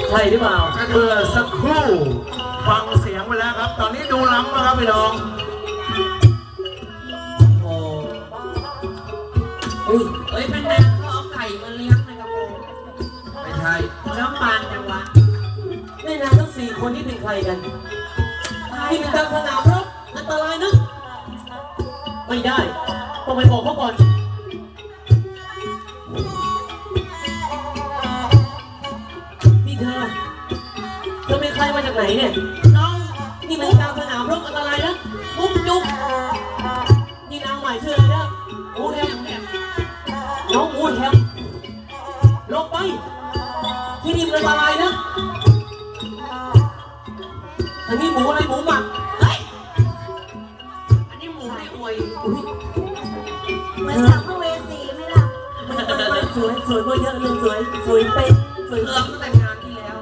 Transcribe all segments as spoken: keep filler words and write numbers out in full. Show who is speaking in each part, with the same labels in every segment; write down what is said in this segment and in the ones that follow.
Speaker 1: ใช่หรือเปล่า
Speaker 2: เมื่อสักครู่ฟังเสียงไปแล้วครับตอนนี้ดูล้ำนะครับพี่น้อง
Speaker 1: โอ้เฮ้ย
Speaker 3: เฮ้ยเป็นแม่เขาเอาไก่มาเลี้ยงในกระโปรง
Speaker 2: ไม่ใช่
Speaker 3: แล้วปานจังวะ
Speaker 1: แม่นางทั้งสี่คนที่เป็นใครกันที่เป็นกลางสนามรบอันตรายนะไม่ได้ต้องไปบอกเขาก่อนนี่เธอเธอเป็นใครมาจากไหนเนี่ยน้องนี่มันกลางสนามรบอันตรายนะมุกจุกนี่นางใหม่ชื่ออะไรนะอูแฮมน้องอูแฮมลงไปที่นี่มันอันตรายนะอันนี้หมูอะไรหมูหมัก
Speaker 3: เฮ้ยอันนี้หมูในอวย
Speaker 4: เหมือนสัมภเวสีไหมล่ะ
Speaker 1: สวยสวยกว่าเยอะเลยสวยสวยเป็นสวย
Speaker 3: เริ่มตั้งแต่งานที่แล้ว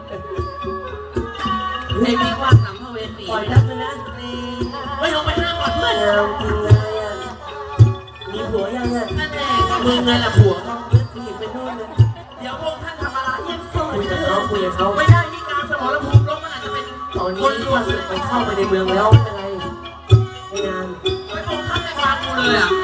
Speaker 3: ไอ้พี่ว่าสัมภเวสี
Speaker 1: ปล่อยทักเลยนะ
Speaker 3: ไม่ลงไปห้ามก่อนเพื่อน
Speaker 1: เอาจริงเลยอ่ะมีผัวยังอ่ะ
Speaker 3: นั่นแหละมึงไงล่ะผัว
Speaker 1: ผู้หญิงเป็นนู่นเลย
Speaker 3: เดี๋ยวพวกท่านทำอะไรยังโสด
Speaker 1: คุยกับเขาคุยกับเขา
Speaker 3: ไม่ได้นี่การสมรภูมิลบมันอาจจะเป็น
Speaker 1: ตอนนี้ว่าสึกมันเข้าไปในเมืองแล้วอะไรไม่นาน
Speaker 3: ไม่พวกท่านไม่ฟังกูเลยอ่ะ